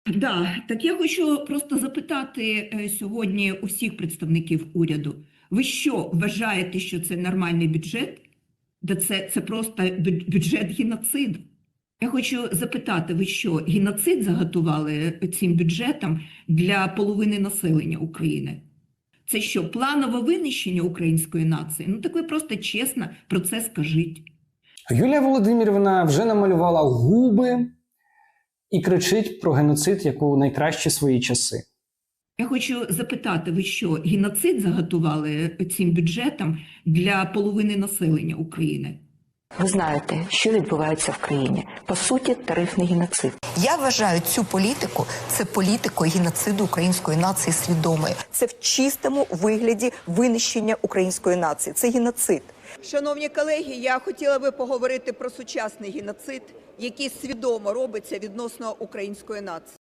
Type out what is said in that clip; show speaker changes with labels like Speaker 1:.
Speaker 1: Да, так я хочу просто запитати сьогодні усіх представників уряду. Ви що вважаєте, що це нормальний бюджет? Да це просто бюджет геноциду. Я хочу запитати, ви що, геноцид заготували цим бюджетом для половини населення України? Це що, планове винищення української нації? Ну так ви просто чесно про це скажіть.
Speaker 2: Юлія Володимирівна вже намалювала губи і кричить про геноцид як у найкращі свої часи.
Speaker 1: Я хочу запитати, ви що, геноцид заготували цим бюджетом для половини населення України?
Speaker 3: Ви знаєте, що відбувається в країні. По суті, тарифний геноцид.
Speaker 4: Я вважаю цю політику – це політикою геноциду української нації свідомої.
Speaker 5: Це в чистому вигляді винищення української нації. Це геноцид. Шановні колеги, я хотіла би поговорити про сучасний геноцид, який свідомо робиться відносно української нації.